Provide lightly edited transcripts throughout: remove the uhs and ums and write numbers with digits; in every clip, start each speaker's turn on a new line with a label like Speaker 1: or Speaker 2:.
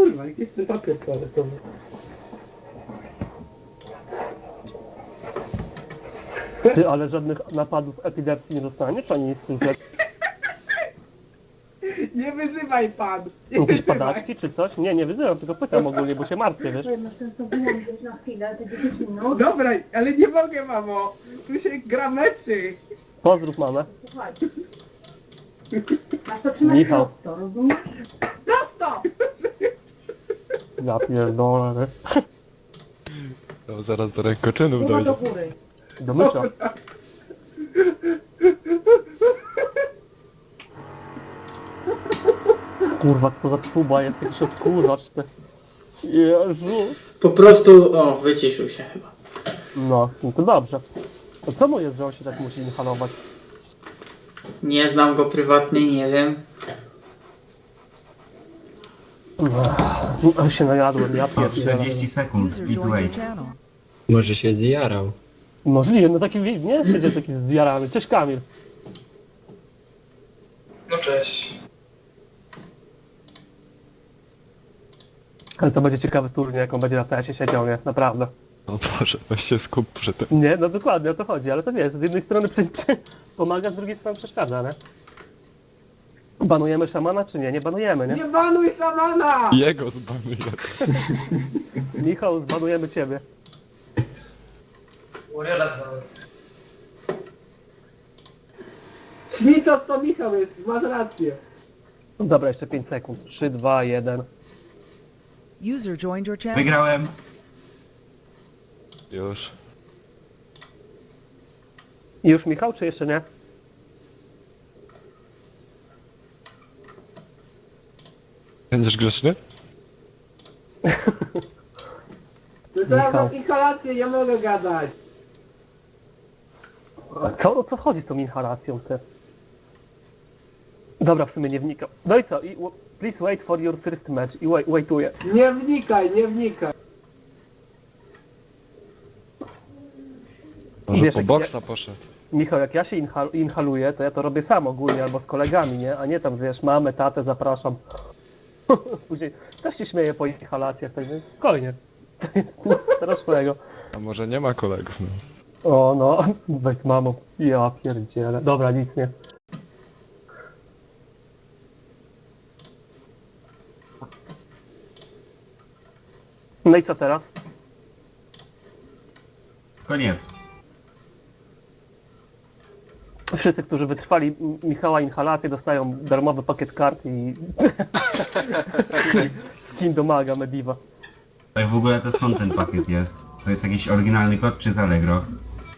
Speaker 1: kurwa, gdzie jest ten papier toaletowy?
Speaker 2: Ty, ale żadnych napadów epilepsji nie dostaniesz, ani nic z tym,
Speaker 1: Nie wyzywaj pan! Nie
Speaker 2: jakieś
Speaker 1: wyzywaj.
Speaker 2: padaczki czy coś? Nie, nie wyzywam, tylko pytam ogólnie, bo się martwię, wiesz?
Speaker 3: Masz ten to wyłączyć na chwilę, te 10
Speaker 1: No
Speaker 3: minut.
Speaker 1: dobra, ale nie mogę, mamo! Tu się gra meczy!
Speaker 2: Pozdrów mamę.
Speaker 3: Słuchaj. Masz to trzymać
Speaker 2: Michał.
Speaker 3: prosto, rozumiesz? Prosto!
Speaker 2: Ja pierdolę, wiesz?
Speaker 4: No, zaraz do rękoczynów
Speaker 3: Głowa do
Speaker 4: dojdzie.
Speaker 3: góry.
Speaker 2: Do mycia. Kurwa, co to za tuba jest, jakiś odkurzacz, ty. Jezu.
Speaker 5: Po prostu, o, wyciszył się chyba.
Speaker 2: No to dobrze. To co mu jest, że on się tak musi inhalować?
Speaker 5: Nie znam go prywatnie, nie wiem.
Speaker 2: Się najadłem, ja
Speaker 6: O,
Speaker 2: pierdolę.
Speaker 6: 40 sekund,
Speaker 7: User
Speaker 6: please
Speaker 7: joined your
Speaker 6: wait.
Speaker 7: channel.
Speaker 8: Może się zjarał.
Speaker 2: Możliwe, no taki, nie? Siedzie taki zjarany. Cześć Kamil.
Speaker 9: No cześć.
Speaker 2: Ale to będzie ciekawy turniej, jak on będzie na PS-ie siedział, nie? Naprawdę.
Speaker 4: No Boże, weź się skup przy tym.
Speaker 2: Nie, no dokładnie o to chodzi, ale to wiesz, z jednej strony pomaga, z drugiej strony przeszkadza, nie? Banujemy szamana, czy nie? Nie banujemy, nie?
Speaker 1: Nie banuj szamana!
Speaker 4: Jego zbanuję.
Speaker 2: Michał, zbanujemy ciebie.
Speaker 9: Warriora zwały.
Speaker 1: Mitos to Michał jest, masz rację.
Speaker 2: No dobra, jeszcze 5 sekund. 3, 2, 1.
Speaker 7: User joined your channel.
Speaker 6: Wygrałem.
Speaker 4: Już.
Speaker 2: I już Michał, czy jeszcze nie?
Speaker 4: Będziesz grzeczny?
Speaker 1: Słyszałem
Speaker 2: Michał.
Speaker 1: na inhalację, nie mogę gadać.
Speaker 2: A co, o co chodzi z tą inhalacją, ty? Dobra, w sumie nie wnikam. No i co? Please wait for your first match. I waituję.
Speaker 1: Nie wnikaj, nie wnikaj.
Speaker 4: Może
Speaker 2: Wiesz,
Speaker 4: po
Speaker 2: jak
Speaker 4: boksa poszedł.
Speaker 2: Michał, jak ja się inhaluję, to ja to robię sam ogólnie, albo z kolegami, nie? A nie tam, wiesz, mamę, tatę, zapraszam. Później też się śmieję po inhalacjach, tak więc spokojnie. To jest nic strasznego.
Speaker 4: A może nie ma kolegów, no.
Speaker 2: O no, weź z mamą. Ja pierdzielę. Dobra, nic nie. No i co teraz?
Speaker 6: Koniec.
Speaker 2: Wszyscy, którzy wytrwali Michała inhalację, dostają darmowy pakiet kart i skin do maga Mediva.
Speaker 6: Tak w ogóle to skąd ten pakiet jest? To jest jakiś oryginalny kod czy z Allegro?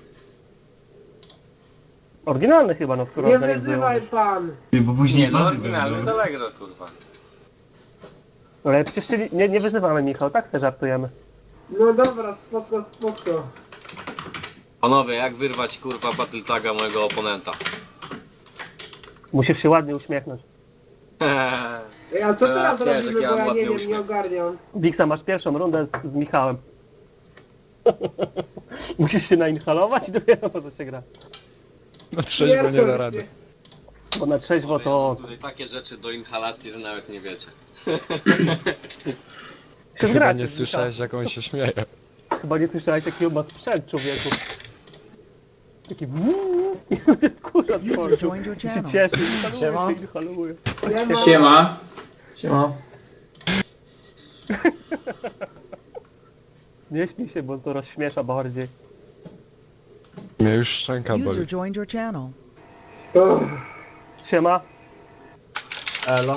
Speaker 2: Oryginalny chyba, no skoro
Speaker 1: Nie
Speaker 2: organizują.
Speaker 1: wyzywaj pan!
Speaker 6: Ty, bo później
Speaker 10: No
Speaker 6: nowy
Speaker 10: oryginalny
Speaker 6: będą.
Speaker 10: to Allegro, kurwa.
Speaker 2: Ale przecież nie wyzywamy Michał, tak se żartujemy.
Speaker 1: No dobra, spoko, spoko.
Speaker 10: Panowie, jak wyrwać kurwa battle taga mojego oponenta?
Speaker 2: Musisz się ładnie uśmiechnąć.
Speaker 1: Ej, a co
Speaker 10: Ja
Speaker 1: teraz
Speaker 10: też,
Speaker 1: robimy,
Speaker 10: jak
Speaker 1: bo
Speaker 10: ja
Speaker 1: ja
Speaker 10: mam
Speaker 1: nie
Speaker 10: ładny
Speaker 1: wiem, nie
Speaker 10: uśmiech.
Speaker 1: ogarniam.
Speaker 2: Wiksa, masz pierwszą rundę z Michałem. Musisz się nainhalować i dopiero możecie grać.
Speaker 4: Na trzeźwo nie da rady.
Speaker 2: Bo na trzeźwo to
Speaker 10: Mam tutaj takie rzeczy do inhalacji, że nawet nie wiecie.
Speaker 2: się
Speaker 4: Chyba
Speaker 2: zgracie
Speaker 4: nie
Speaker 2: z
Speaker 4: słyszałeś, jak on się śmieje.
Speaker 2: Michałem. Chyba nie słyszałeś, jaki on ma sprzęt, człowieku. Taki kurza
Speaker 7: User joined your
Speaker 2: się
Speaker 7: channel.
Speaker 2: cieszy,
Speaker 5: Siema.
Speaker 2: inhaluje.
Speaker 5: Siema. Siema.
Speaker 2: Nie śmiej się, bo to rozśmiesza bardziej.
Speaker 4: Mnie już szczęka boli.
Speaker 7: User joined your channel.
Speaker 2: Siema.
Speaker 5: Elo.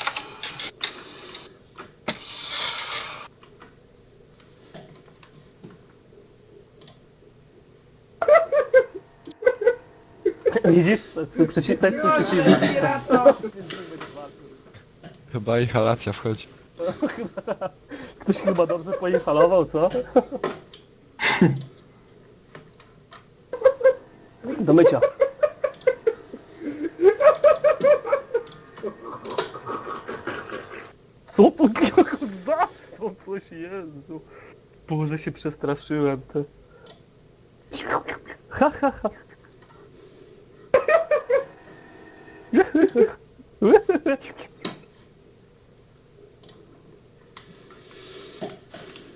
Speaker 2: Widzisz? To jest przeciwnik.
Speaker 4: Chyba inhalacja wchodzi.
Speaker 2: Ktoś chyba dobrze poinhalował, co? Do mycia. Co to za to coś, Jezu. Boże, się przestraszyłem, te. Ha, ha, ha.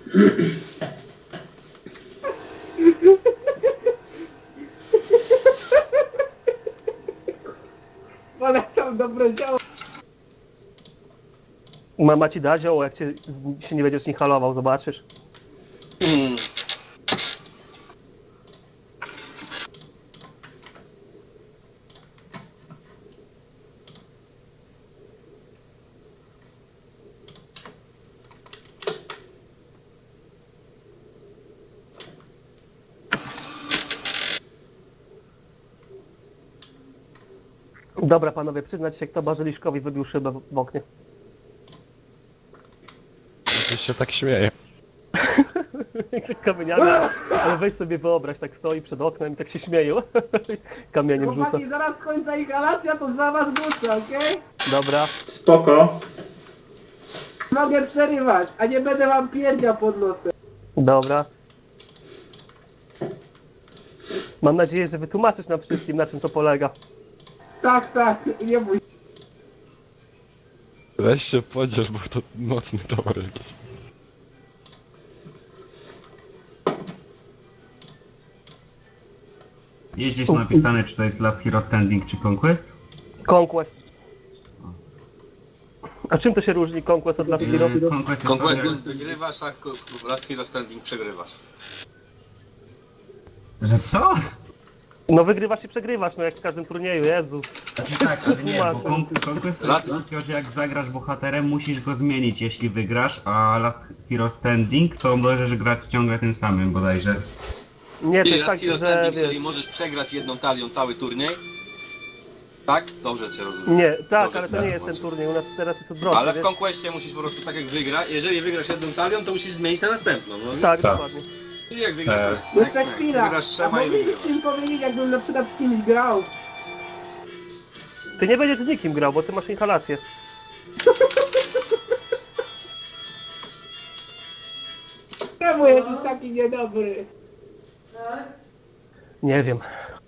Speaker 1: Polecam dobre działo.
Speaker 2: Mama ci da zioło, jak się nie będziesz inhalował, zobaczysz. Dobra panowie, przyznać się, kto Bazyliszkowi wybił szybę w oknie.
Speaker 4: Coś się tak śmieje.
Speaker 2: Kamieniami, ale weź sobie wyobraź, tak stoi przed oknem i tak się śmieje. Kamieniem rzuca.
Speaker 1: Chłopaki, zaraz końca inhalacja, to za was wrócę, okej?
Speaker 2: Dobra.
Speaker 5: Spoko.
Speaker 1: Mogę przerywać, a nie będę wam pierdział pod nosem.
Speaker 2: Dobra. Mam nadzieję, że wytłumaczysz nam wszystkim, na czym to polega.
Speaker 1: Tak, nie bój się.
Speaker 4: Weź się podziel, bo to mocny towar jakiś.
Speaker 6: Jest gdzieś napisane, czy to jest Last Hero Standing, czy Conquest?
Speaker 2: Conquest. A czym to się różni Conquest od Last Hero?
Speaker 6: Conquest jest
Speaker 10: Conquestem wygrywasz, a Last Hero Standing przegrywasz.
Speaker 6: Że co?
Speaker 2: No wygrywasz i przegrywasz, no jak w każdym turnieju, Jezus.
Speaker 6: Tak, ale nie, bo
Speaker 2: Tłumaczę.
Speaker 6: Conquest to jest takiego, że jak zagrasz bohaterem, musisz go zmienić, jeśli wygrasz, a Last Hero Standing to możesz grać ciągle tym samym bodajże.
Speaker 2: Nie, to
Speaker 10: I
Speaker 2: jest
Speaker 10: Last
Speaker 2: tak,
Speaker 10: Hero
Speaker 2: że
Speaker 10: Standing,
Speaker 2: wiesz...
Speaker 10: jeżeli możesz przegrać jedną talią cały turniej. Tak? Dobrze cię rozumiem.
Speaker 2: Nie, tak,
Speaker 10: Dobrze
Speaker 2: ale to
Speaker 10: cię
Speaker 2: nie jest ten
Speaker 10: rozumiem.
Speaker 2: turniej, u nas teraz jest odwrotnie,
Speaker 10: Ale w
Speaker 2: wiesz?
Speaker 10: Conquestie musisz po prostu tak jak wygra. Jeżeli wygrasz jedną talią, to musisz zmienić na następną. No.
Speaker 2: Tak, dokładnie.
Speaker 10: I jak wygrasz
Speaker 1: Jeszcze chwila.
Speaker 10: Wygrasz
Speaker 1: A
Speaker 10: trzema i
Speaker 1: moglibyście
Speaker 10: wygrywasz.
Speaker 1: mi powiedzieć, jakbym na przykład z kimś grał.
Speaker 2: Ty nie będziesz z nikim grał, bo ty masz inhalację.
Speaker 1: Czemu jesteś taki niedobry?
Speaker 2: Nie wiem.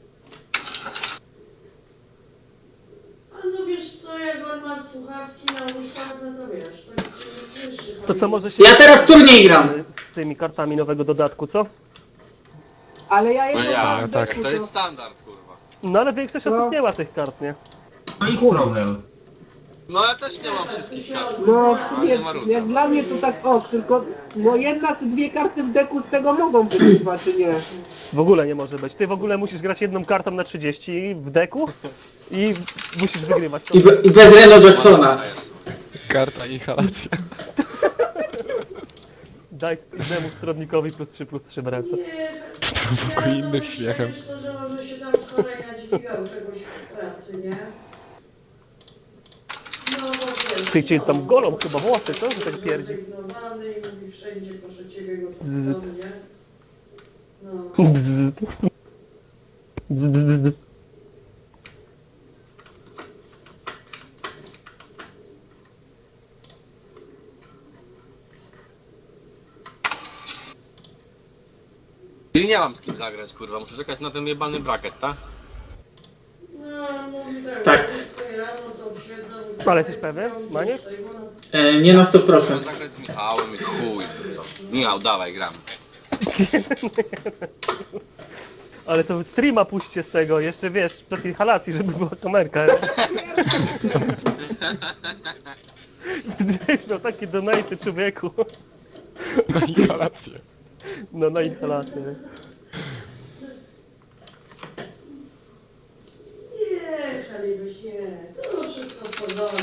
Speaker 11: A no wiesz co, jak on ma słuchawki na uszach, no to wiesz, to cię nie słyszy.
Speaker 2: To co może się...
Speaker 5: Ja teraz turniej gram.
Speaker 2: Z tymi kartami nowego dodatku, co?
Speaker 1: Ale ja
Speaker 10: No
Speaker 1: jestem
Speaker 10: ja,
Speaker 1: na
Speaker 4: tak.
Speaker 1: deku,
Speaker 10: To jest standard, kurwa.
Speaker 2: No ale większość osób nie ma tych kart, nie?
Speaker 6: No i problem.
Speaker 10: No ja też nie mam wszystkich kart.
Speaker 1: No
Speaker 10: Ale
Speaker 1: nie,
Speaker 10: nie ma różnicy.
Speaker 1: jak dla mnie to tak tylko no jedna czy dwie karty w deku z tego mogą być chyba, czy nie?
Speaker 2: W ogóle nie może być. Ty w ogóle musisz grać jedną kartą na 30 w deku i musisz wygrywać. To
Speaker 5: I bez Reno Jacksona.
Speaker 4: Karta inhalacja.
Speaker 2: daj innemu stronnikowi +3/+3 w ręce.
Speaker 4: Prowokuje innych śmiechem.
Speaker 11: Wiesz to, że może się tam kolega dźwigał czegoś w pracy, nie? No bo wiesz...
Speaker 2: Ty cię tam golą chyba włosy, co? Że tak pierdzi.
Speaker 11: Zrezygnowany i mówi wszędzie, proszę ciebie go
Speaker 2: Zzz.
Speaker 11: wsadzą, nie? No.
Speaker 2: Bzz. Bzz, bzz, bzz.
Speaker 10: I nie mam z kim zagrać, kurwa. Muszę czekać na ten jebany bracket, tak?
Speaker 11: No, mówi tak,
Speaker 5: Tak.
Speaker 11: rano to siedzą...
Speaker 2: Ale jesteś pewien, Maniek?
Speaker 5: Nie na 100%.
Speaker 10: Muszę zagrać z Michałem i chuj. To. Michał, dawaj, gram.
Speaker 2: Ale to streama puśćcie z tego, jeszcze wiesz, przed inhalacji, żeby była kamerka. Gdybyś miał takie donaty, człowieku.
Speaker 4: Na inhalację.
Speaker 2: No na inhalację.
Speaker 11: Nie, Kalibyś, nie. To wszystko w porządku.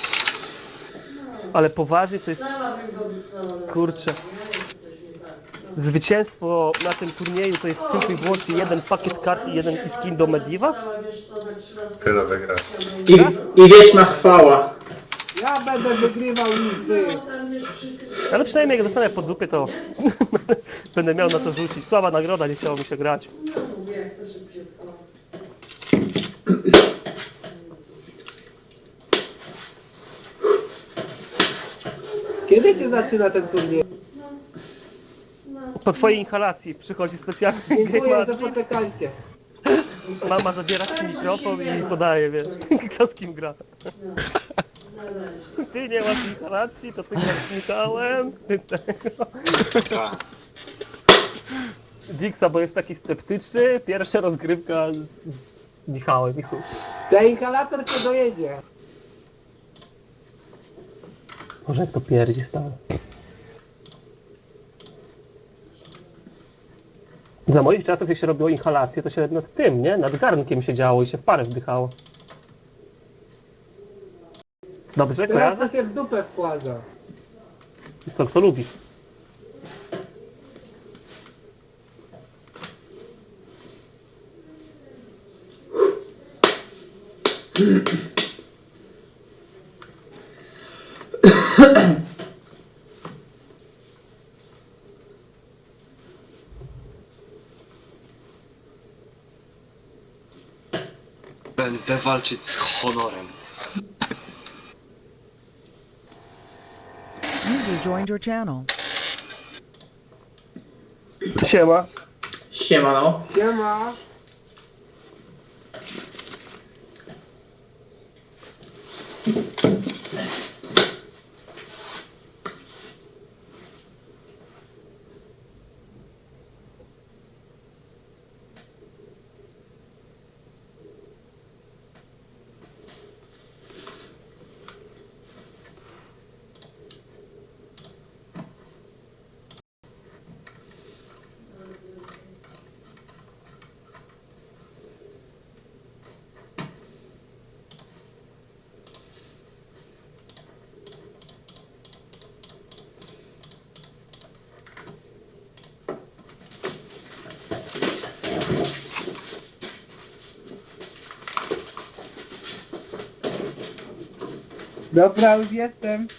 Speaker 2: Ale poważnie to jest
Speaker 11: Sama bym go wysłała na
Speaker 2: Kurczę.
Speaker 11: nie? Coś nie tak. No.
Speaker 2: zwycięstwo na tym turnieju, to jest tylko i wyłącznie jeden pakiet kart i jeden skin do Medieval?
Speaker 11: Tyle wygrasz.
Speaker 5: I wieczna chwała.
Speaker 1: Ja będę wygrywał niż wy.
Speaker 2: Ale przynajmniej jak dostanę po dupie, to będę miał na to rzucić. Słaba nagroda, nie chciało mi się grać.
Speaker 11: No mówię, jak to szybciutko.
Speaker 1: Kiedy się zaczyna ten turniej?
Speaker 2: Po twojej inhalacji przychodzi specjalny
Speaker 1: Dziękuję,
Speaker 2: game
Speaker 1: że
Speaker 2: admin.
Speaker 1: poczekaliście.
Speaker 2: Mama zabiera ci mikrofon i podaje, wiesz, kto z kim gra. Ty nie masz inhalacji, to ty grasz Michałem. Ty tego.
Speaker 10: Tak.
Speaker 2: Dixa, bo jest taki sceptyczny. Pierwsza rozgrywka z Michałem. i chuj.
Speaker 1: Ten inhalator cię dojedzie.
Speaker 2: Może jak to pierdzi stale. Za moich czasów, jak się robiło inhalację, to się nad tym, nie? Nad garnkiem się działo i się w parę wdychało. Dobrze,
Speaker 1: Teraz to
Speaker 2: kojarzę?
Speaker 1: się w dupę wkłada.
Speaker 2: Co kto lubi.
Speaker 10: Będę walczyć z honorem.
Speaker 7: User joined your channel.
Speaker 2: Siema.
Speaker 5: Siemano.
Speaker 1: Siema. Dobra, już jestem.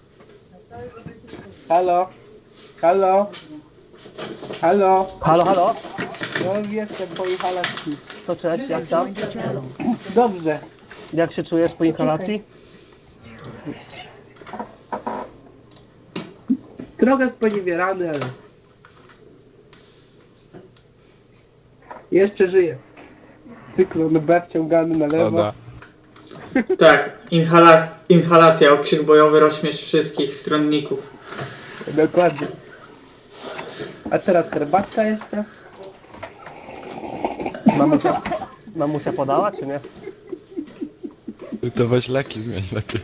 Speaker 1: Halo? Halo? Halo?
Speaker 2: Halo, halo?
Speaker 1: No już jestem po inhalacji.
Speaker 2: To cześć,
Speaker 7: User
Speaker 2: jak tam?
Speaker 7: joined your channel.
Speaker 1: Dobrze.
Speaker 2: Jak się czujesz po inhalacji?
Speaker 1: Trochę sponiewierany, ale... Jeszcze żyję. Cyklon B wciągany na lewo.
Speaker 4: Szkoda.
Speaker 5: Tak, inhalacja, okrzyk bojowy, rozśmiesz wszystkich stronników.
Speaker 1: Dokładnie. A teraz herbatka jeszcze.
Speaker 2: Mamusia podała, czy nie?
Speaker 4: Ty to weź leki zmień lepiej.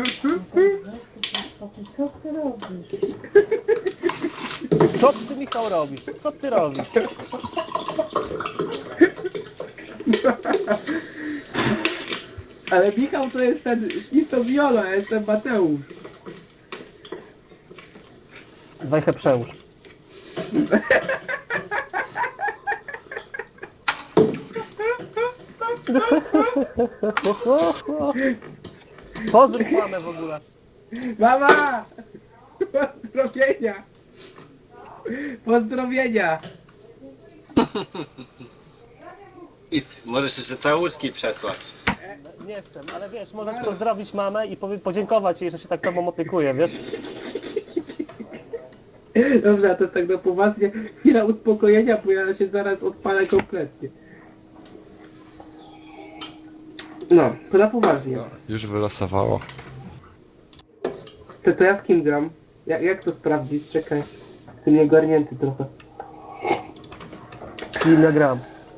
Speaker 2: Co ty, Michał, robisz? Co ty robisz?
Speaker 1: Ale Michał to jest ten Śnisto Viola, ja jestem Mateusz.
Speaker 2: Wejchę przełóż. Pozdrów mamę w ogóle.
Speaker 1: Mama! Pozdrowienia! Pozdrowienia!
Speaker 10: I możesz jeszcze całuski przesłać.
Speaker 2: Nie chcę, ale wiesz, możesz pozdrowić mamę i podziękować jej, że się tak tobą opiekuje, wiesz?
Speaker 1: Dobrze, a to jest tak na poważnie. Chwila uspokojenia, bo ja się zaraz odpalę kompletnie. No, to na poważnie.
Speaker 4: Już wylosowało.
Speaker 1: To ja z kim gram? Jak to sprawdzić? Czekaj. Jestem nieogarnięty trochę.
Speaker 2: Nie gram.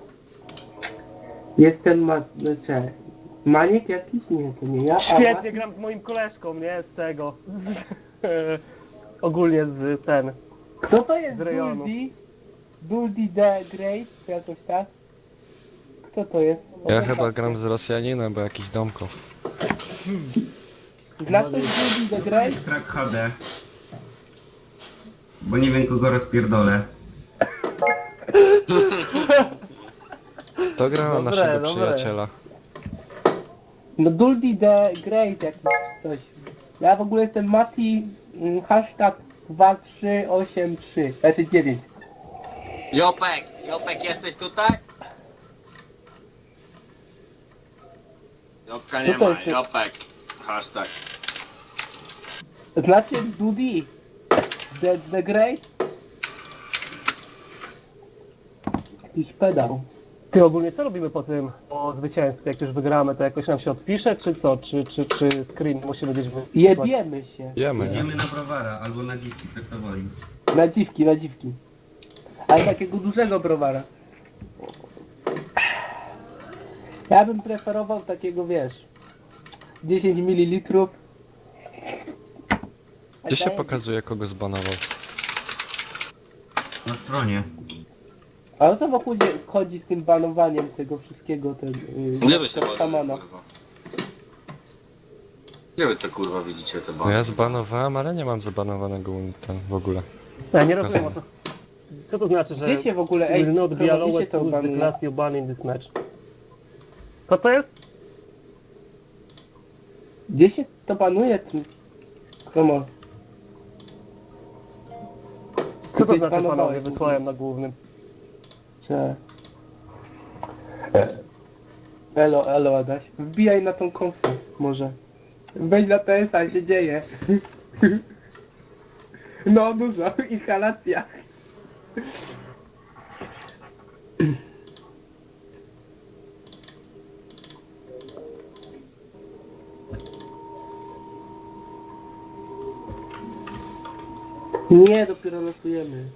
Speaker 1: Jestem znaczy, Maniek jakiś? Nie, to nie ja.
Speaker 2: Świetnie gram z moim koleżką, nie? Z tego. Ogólnie z ten.
Speaker 1: Kto to jest
Speaker 2: z rejonu.
Speaker 1: Duldi? Duldi the Great? Czy jakoś tak? Kto to jest?
Speaker 4: Ja chyba gram z Rosjaninem, bo jakiś domko.
Speaker 1: Dla ktoś Duldi the Great?
Speaker 6: Krak HD. Bo nie wiem kogo rozpierdolę.
Speaker 4: To gra na
Speaker 2: Dobre,
Speaker 4: naszego
Speaker 2: dobre.
Speaker 4: przyjaciela.
Speaker 1: No Duldi the Great jakiś coś. Ja w ogóle jestem Mati hashtag 2383, znaczy 9.
Speaker 10: Jopek, jesteś tutaj? Jopka nie
Speaker 1: Co to
Speaker 10: ma,
Speaker 1: jest?
Speaker 10: Jopek. Hashtag.
Speaker 1: Znacie Dudi? The Great? Jakiś pedał.
Speaker 2: Ty ogólnie co robimy po tym, po zwycięstwie, jak już wygramy, to jakoś nam się odpisze, czy co? Czy screen musimy gdzieś wysłać?
Speaker 1: Jebiemy się.
Speaker 4: Jemy, nie?
Speaker 6: Idziemy na browara albo na dziwki, co kto woli.
Speaker 1: Na dziwki, na dziwki. Ale takiego dużego browara. Ja bym preferował takiego, wiesz, 10 ml.
Speaker 4: Gdzie się pokazuje, kogo zbanował?
Speaker 6: Na stronie.
Speaker 1: A o co wokół chodzi z tym banowaniem tego wszystkiego, ten
Speaker 10: Gdzie wy się
Speaker 1: szamana?
Speaker 10: bawicie, kurwa? Gdzie wy to kurwa widzicie te
Speaker 4: No
Speaker 10: bany?
Speaker 4: ja zbanowałem, ale nie mam zabanowanego ten w ogóle.
Speaker 2: Ja nie rozumiem o co. Co to znaczy, że
Speaker 1: Gdzie się w ogóle, ej,
Speaker 2: will not be
Speaker 1: robicie
Speaker 2: allowed
Speaker 1: to
Speaker 2: to use the
Speaker 1: banuje?
Speaker 2: class you ban in this match? Co to jest?
Speaker 1: Gdzie się to banuje? Komo?
Speaker 2: Co to
Speaker 1: Gdzieś
Speaker 2: znaczy,
Speaker 1: banowałeś.
Speaker 2: panowie, wysłałem na głównym?
Speaker 1: Że... Elo Adaś. Wbijaj na tą konfę, może. Weź na TS-a, się dzieje. No dużo, inhalacja. Nie, dopiero losujemy.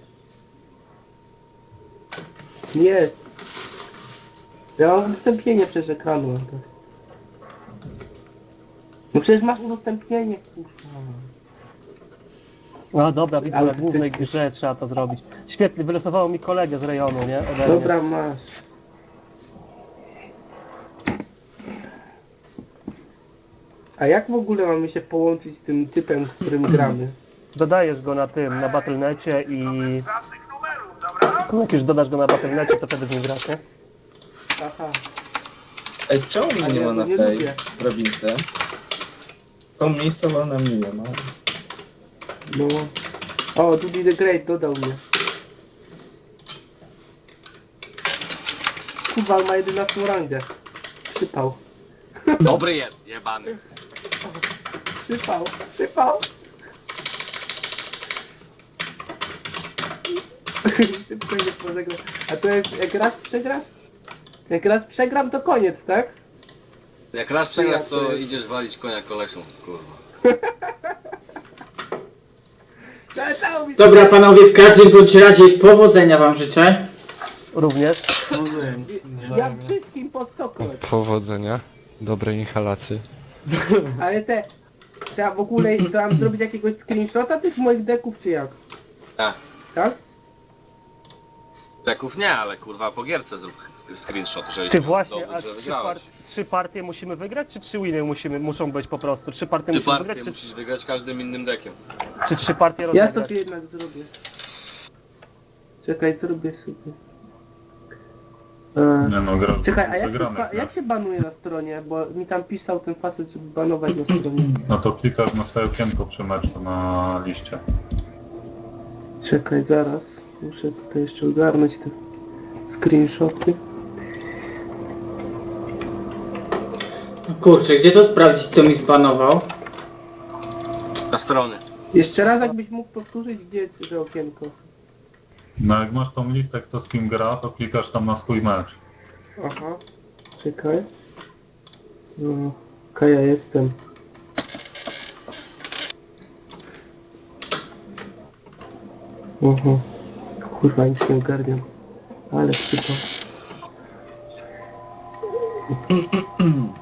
Speaker 1: Nie. Ja mam udostępnienie przez ekranu. No przecież masz udostępnienie, kurwa.
Speaker 2: A dobra, widzę,
Speaker 1: Ale
Speaker 2: na głównej
Speaker 1: ty-
Speaker 2: grze trzeba to zrobić. Świetnie, wylosowało mi kolegę z rejonu, nie? Ode mnie.
Speaker 1: Dobra, masz. A jak w ogóle mamy się połączyć z tym typem, z którym gramy?
Speaker 2: Dodajesz go na tym, na Battle.necie i... Jak już dodasz go na Battle.necie, to wtedy z nim grasz, nie?
Speaker 1: Aha.
Speaker 12: Ej, czemu mnie
Speaker 1: Ale
Speaker 12: nie
Speaker 1: ja
Speaker 12: ma
Speaker 1: go
Speaker 12: na
Speaker 1: nie
Speaker 12: tej
Speaker 1: lubię.
Speaker 12: prowincji? To miejscowa na mnie nie ma.
Speaker 1: No. O, Dudy the Great dodał mnie. Kurwa, on ma 11 rangę. Przypał.
Speaker 10: Dobry jest, jebany.
Speaker 1: Przypał. Przypał. Szybko nie pożegnam. A to jest, jak raz przegrasz? Jak raz przegram, to koniec, tak?
Speaker 10: Jak raz przegrasz, to idziesz walić konia kolesią, kurwa.
Speaker 1: Całą mi
Speaker 5: Dobra panowie, w każdym bądź razie powodzenia wam życzę.
Speaker 2: Również.
Speaker 1: Jak wszystkim po stokroć.
Speaker 4: Powodzenia. Dobrej inhalacji.
Speaker 1: Ale te w ogóle, to mam zrobić jakiegoś screenshota tych moich deków, czy jak?
Speaker 10: Tak.
Speaker 1: Tak?
Speaker 10: Deków nie, ale kurwa po gierce zrób screenshot, żebyś
Speaker 2: Ty
Speaker 10: miał
Speaker 2: właśnie,
Speaker 10: dowód,
Speaker 2: a
Speaker 10: że wygrałeś.
Speaker 2: 3 partie musimy wygrać, czy 3 winy muszą być po prostu? 3 partie
Speaker 10: Ty
Speaker 2: musimy
Speaker 10: partię
Speaker 2: wygrać,
Speaker 10: musisz wygrać każdym innym dekiem.
Speaker 2: czy 3 partie
Speaker 1: Ja
Speaker 2: rozegrać?
Speaker 1: sobie jednak zrobię. Czekaj, zrobię sobie.
Speaker 9: Nie no, gra,
Speaker 1: Czekaj, a
Speaker 9: wygramy,
Speaker 1: jak się banuje na stronie? Bo mi tam pisał ten facet, żeby banować na stronie.
Speaker 9: No to klikasz na swoje okienko przy meczu na liście.
Speaker 1: Czekaj, zaraz. Muszę tutaj jeszcze ogarnąć te screenshoty.
Speaker 5: Kurczę, gdzie to sprawdzić, co mi zbanował?
Speaker 10: Na strony.
Speaker 1: Jeszcze raz, jakbyś mógł powtórzyć, gdzie to okienko.
Speaker 9: No jak masz tą listę, kto z kim gra, to klikasz tam na swój mecz.
Speaker 1: Aha. Czekaj. No, okej, ja jestem. Kurwa, nic nie ogarniam. Ale przypał.